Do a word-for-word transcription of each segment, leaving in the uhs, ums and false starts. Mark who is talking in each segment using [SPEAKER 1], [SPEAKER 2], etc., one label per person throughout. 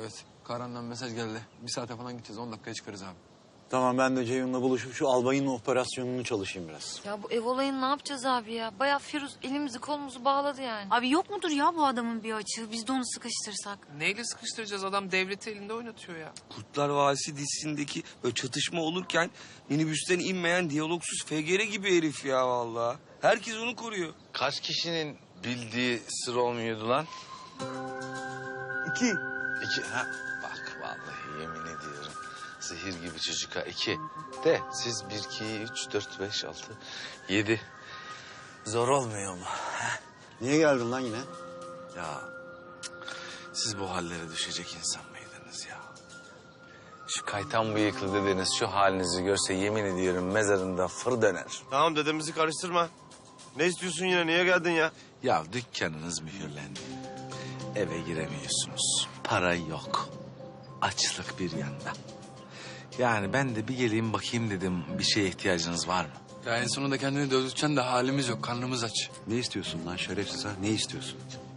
[SPEAKER 1] Evet. Karan'dan mesaj geldi. Bir saate falan gideceğiz. On dakikaya çıkarız abi.
[SPEAKER 2] Tamam ben de Ceyhun'la buluşup şu albayın operasyonunu çalışayım biraz.
[SPEAKER 3] Ya bu ev olayını ne yapacağız abi ya? Bayağı Firuz elimizi kolumuzu bağladı yani.
[SPEAKER 4] Abi yok mudur ya bu adamın bir açığı? Biz de onu sıkıştırsak.
[SPEAKER 5] Neyle sıkıştıracağız? Adam devleti elinde oynatıyor ya.
[SPEAKER 6] Kurtlar Vadisi dizisindeki böyle çatışma olurken minibüsten inmeyen diyalogsuz F G R gibi herif ya vallahi. Herkes onu koruyor.
[SPEAKER 7] Kaç kişinin bildiği sır olmuyordu lan?
[SPEAKER 2] İki.
[SPEAKER 7] İki. Ha, bak vallahi yemin ediyorum. Zehir gibi çocuk ha. İki. De siz bir, iki, üç, dört, beş, altı, yedi.
[SPEAKER 2] Zor olmuyor mu? Niye geldin lan yine?
[SPEAKER 7] Ya siz bu hallere düşecek insan mıydınız ya? Şu kaytan bıyıklı dedeniz şu halinizi görse yemin ediyorum mezarında fır döner.
[SPEAKER 8] Tamam dedemizi karıştırma. Ne istiyorsun yine? Niye geldin ya?
[SPEAKER 7] Ya dükkanınız mühürlendi. Eve giremiyorsunuz. Para yok. Açlık bir yanda. Yani ben de bir geleyim bakayım dedim. Bir şeye ihtiyacınız var mı?
[SPEAKER 1] Ya en sonunda kendini dövdürteceksin de halimiz yok. Karnımız aç.
[SPEAKER 2] Ne istiyorsun lan şerefsiz ha? Ne istiyorsun?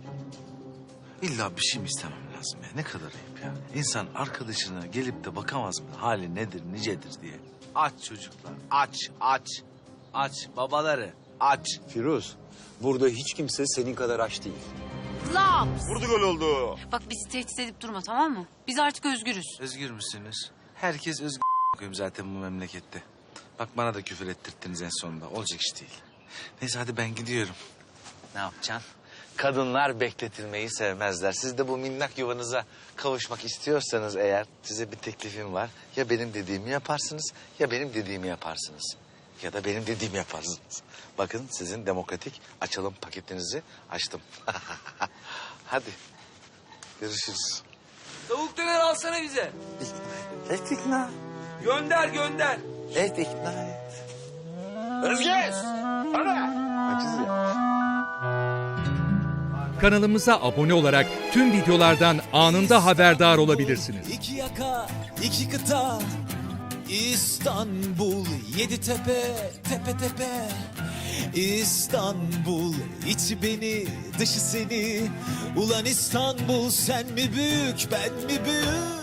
[SPEAKER 7] İlla bir şey mi istemem lazım ya? Ne kadar ayıp ya. İnsan arkadaşına gelip de bakamaz mı? Hali nedir, nicedir diye. Aç çocuklar. Aç, aç. Aç babaları. Aç.
[SPEAKER 2] Firuz, burada hiç kimse senin kadar aç değil.
[SPEAKER 4] Laps!
[SPEAKER 8] Vurdu gol oldu.
[SPEAKER 4] Bak bizi tehdit edip durma tamam mı? Biz artık özgürüz.
[SPEAKER 7] Özgür müsünüz? Herkes özgür koyayım zaten bu memlekette. Bak bana da küfür ettirttiniz en sonunda. Olacak iş değil. Neyse hadi ben gidiyorum. Ne yapacaksın? Kadınlar bekletilmeyi sevmezler. Siz de bu minnak yuvanıza kavuşmak istiyorsanız eğer size bir teklifim var. Ya benim dediğimi yaparsınız ya benim dediğimi yaparsınız. Ya da benim dediğimi yaparsınız. Bakın sizin demokratik açalım paketinizi açtım. Hadi görüşürüz.
[SPEAKER 6] Tavuk döner alsana bize.
[SPEAKER 7] Et ikna.
[SPEAKER 6] Gönder gönder.
[SPEAKER 7] Et ikna et.
[SPEAKER 6] Özgeç.
[SPEAKER 7] Aciz ya.
[SPEAKER 9] Kanalımıza abone olarak tüm videolardan anında haberdar olabilirsiniz.
[SPEAKER 10] İki yaka, iki kıta, İstanbul, yedi tepe, tepe tepe. İstanbul, içi beni, dışı seni. Ulan İstanbul, sen mi büyük, ben mi büyük?